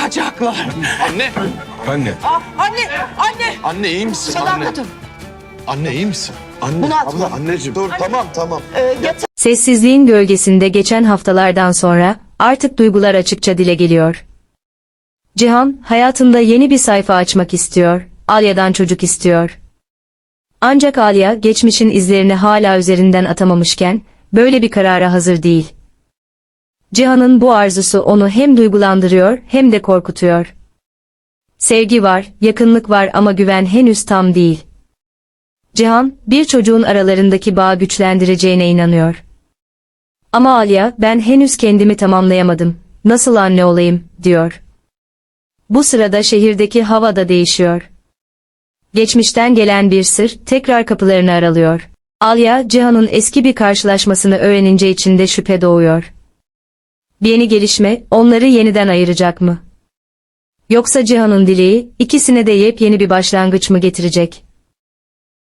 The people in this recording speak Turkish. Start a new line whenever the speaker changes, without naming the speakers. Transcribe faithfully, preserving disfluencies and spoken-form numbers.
Yanacaklar.
Anne.
Anne.
Aa, anne, anne.
Anne iyi misin?
Selam
Anne.
kadın.
Anne iyi misin? Anne.
Bunu atma.
Abla anneciğim dur tamam tamam.
Ee, yatağa
Sessizliğin gölgesinde geçen haftalardan sonra artık duygular açıkça dile geliyor. Cihan hayatında yeni bir sayfa açmak istiyor, Alya'dan çocuk istiyor. Ancak Alya geçmişin izlerini hala üzerinden atamamışken böyle bir karara hazır değil. Cihan'ın bu arzusu onu hem duygulandırıyor hem de korkutuyor. Sevgi var, yakınlık var ama güven henüz tam değil. Cihan, bir çocuğun aralarındaki bağı güçlendireceğine inanıyor. Ama Alya, ben henüz kendimi tamamlayamadım, nasıl anne olayım, diyor. Bu sırada şehirdeki hava da değişiyor. Geçmişten gelen bir sır, tekrar kapılarını aralıyor. Alya, Cihan'ın eski bir karşılaşmasını öğrenince içinde şüphe doğuyor. Bir yeni gelişme, onları yeniden ayıracak mı? Yoksa Cihan'ın dileği, ikisine de yepyeni bir başlangıç mı getirecek?